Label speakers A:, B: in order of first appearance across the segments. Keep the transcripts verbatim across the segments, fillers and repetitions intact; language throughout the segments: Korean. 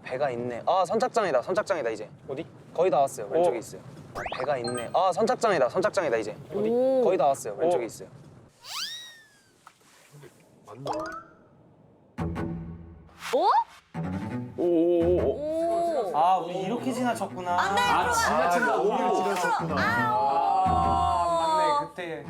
A: 배가 있네. 아 선착장이다. 선착장이다 이제. 어디? 거의 다 왔어요. 왼쪽에 있어요. 아, 배가 있네. 아 선착장이다. 선착장이다 이제. 어디? 거의 다 왔어요. 왼쪽에 있어요.
B: 어?
C: 오오오오.
D: 아 우리 이렇게 지나쳤구나.
B: 안돼
C: 아, 지나친다. 오히려 지나쳤구나.
D: 아 맞네 그때.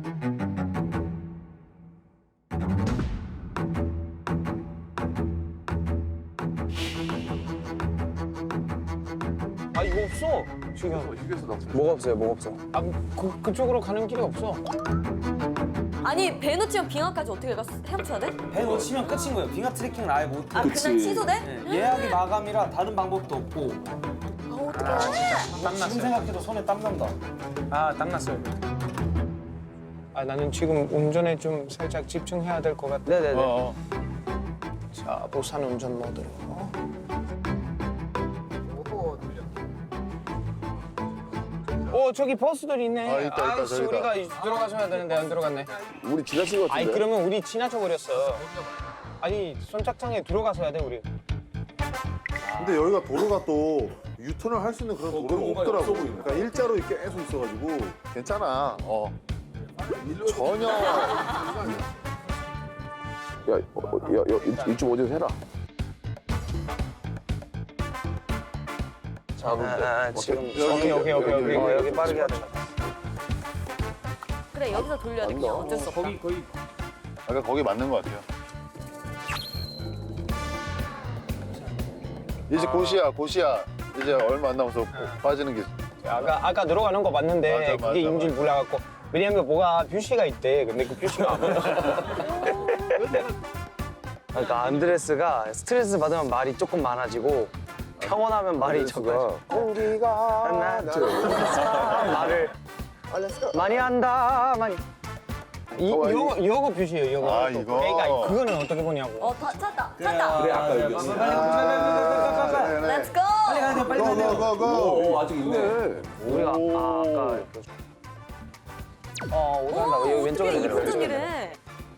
E: 아 이거 없어 지금.
C: 휴게소 나.
A: 뭐가 없어요? 뭐가 없어?
E: 아 그, 그쪽으로 가는 길이 없어.
B: 아니 배 놓치면 빙하까지 어떻게 가? 헤엄쳐야 돼?
D: 배 놓치면 끝인 거예요. 빙하 트레킹을 아예 못 해.
B: 아
C: 그치.
B: 그냥 취소돼?
D: 네, 예약이 마감이라 다른 방법도 없고.
B: 아 어떡해.
E: 땀났어요.
D: 지금 생각해도 손에 땀 난다.
E: 아 땀났어요. 아 나는 지금 운전에 좀 살짝 집중해야 될 것 같아.
A: 네네네.
C: 어.
E: 자 부산 운전 모드로. 어 저기 버스들이 있네.
C: 아, 있다, 있다,
E: 아이씨
C: 저기다.
E: 우리가 들어가서 해야 되는데 안 들어갔네.
C: 우리 지나친 것
E: 아니
C: 같은데.
E: 그러면 우리 지나쳐 버렸어. 아니 선착장에 들어가서 해야 돼 우리.
F: 근데 여기가 도로가 또 유턴을 할 수 있는 그런 도로가 없더라고. 그러니까 일자로 이렇게 계속 있어가지고.
C: 괜찮아. 어. 전혀. 야, 어, 어, 야, 야, 이- 이쪽 어디서 해라.
A: 아, 아, 지금
E: 여기 여기 여기 여기.
A: 어, 여기 빠르게 해야 돼.
B: 그래 여기서 돌려야 돼 그냥 어쩔 수 없다.
D: 거기 거기
C: 아까 거기 맞는 것 같아요. 이제 곧이야, 곧이야. 이제 얼마 안 남아서 빠지는 게.
E: 아까 아까 들어가는 거 맞는데
C: 맞아, 맞아,
E: 그게 인줄
C: 맞아.
E: 몰라갖고 왜냐면 뭐가 뷰시가 있대. 근데 그 뷰시가 안 보여.
A: 그러니까 안드레스가 스트레스 받으면 말이 조금 많아지고 평온하면 말이 적어져.
E: 공기가
A: 하나 둘 말을 많이 한다 많이.
E: 이
C: 어,
E: 요거 요거 뷰시예요. 요거.
C: 아,
E: 또.
C: 이거?
E: 그러니까 그거는 어떻게 보냐고.
B: 어 다, 찾다 찾다.
D: 그래 아까 여기. 빨리 빨리 빨리 빨리.
B: 렛츠 고.
D: 빨리 가야 돼 빨리 가야 돼.
C: 고고고고.
G: 오, 아직 있네.
A: 우리가 아, 아까 그- 어 오산다. 여기 왼쪽으로
B: 어떻게
A: 내려.
B: 이쁜 전이래.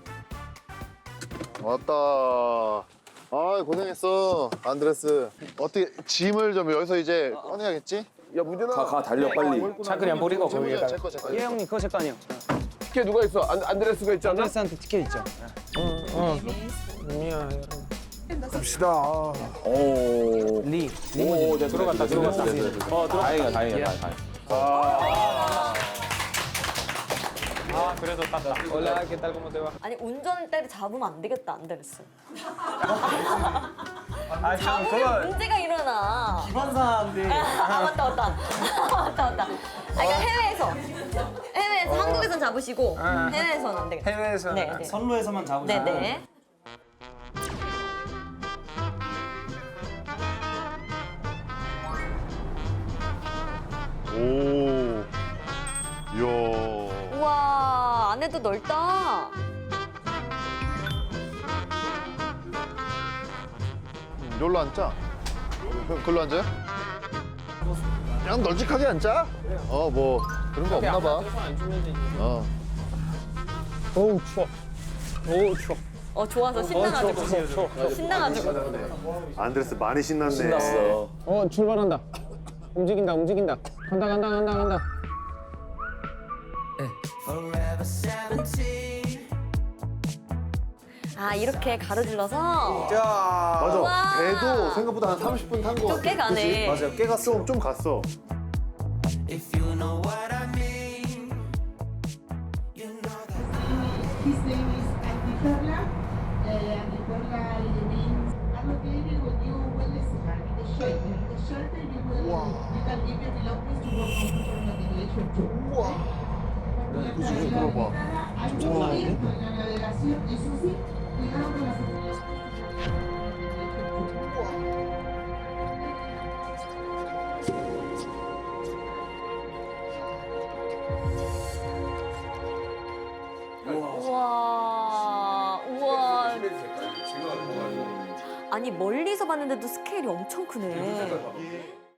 C: 왔다. 아 고생했어 안드레스. 어떻게 짐을 좀 여기서 이제 꺼내야겠지? 야 문준아.
G: 가, 가, 달려, 빨리.
E: 차 그냥 버리고 거기에다가.
C: 제거 제거.
A: 예 형님 그거 제 거 아니에요.
G: 티켓 누가 있어? 안, 안드레스가 있잖아.
E: 안드레스한테 티켓 있죠. 어. 미안.
G: 오.
E: 리.
G: 오, 됐어,
E: 들어갔다,
G: 됐어, 됐어,
E: 들어갔다.
G: 됐어, 됐어. 어, 다행이다, 다행이다, 다행이다.
E: 아 그래도 땄다. Hola, ¿qué tal? ¿Cómo te va?
B: 아니 운전대를 잡으면 안 되겠다 안 되겠어.
D: 아 지금
B: 잡으면
D: 그거
B: 문제가 일어나.
D: 기반사인데.
B: 아 맞다 맞다 맞다 맞다. 아 그러니까 해외에서 해외에서 한국에선 잡으시고 해외에서는 안 되겠다.
E: 해외에서.
B: 네, 네.
D: 선로에서만 잡으시면.
B: 네네.
C: 오. 이야.
B: 우와 안에도 넓다.
C: 여기로 앉자. 그, 글로 앉아요? 그냥 널찍하게 앉자. 어, 뭐 그런 거 없나 봐.
E: 안 주면 되지.
C: 어.
E: 어우 추워. 어우 추워.
B: 어 좋아서 신나가지고 신나가지고.
F: 안드레스 많이 신났네.
G: 신났어.
E: 어 출발한다. 움직인다 움직인다. 간다 간다 간다 간다.
B: 아 이렇게 가로질러서
F: 맞아.
B: 우와.
F: 배도 생각보다 한 삼십 분 탄 거 같아.
B: 좀 꽤 가네.
F: 맞아요. 꽤 갔어. 좀, 좀 갔어.
H: His name is Antiperla. Uh, Antiperla means allocated when you will listen in the shelter. In the shelter you will you can give your belongings to one comfortable navigation tour. Wow.
C: 이거 지금 들어봐.
H: Hay que ir con la navegación, eso sí, cuidado con las
B: 우와 우와. 아니 멀리서 봤는데도 스케일이 엄청 크네.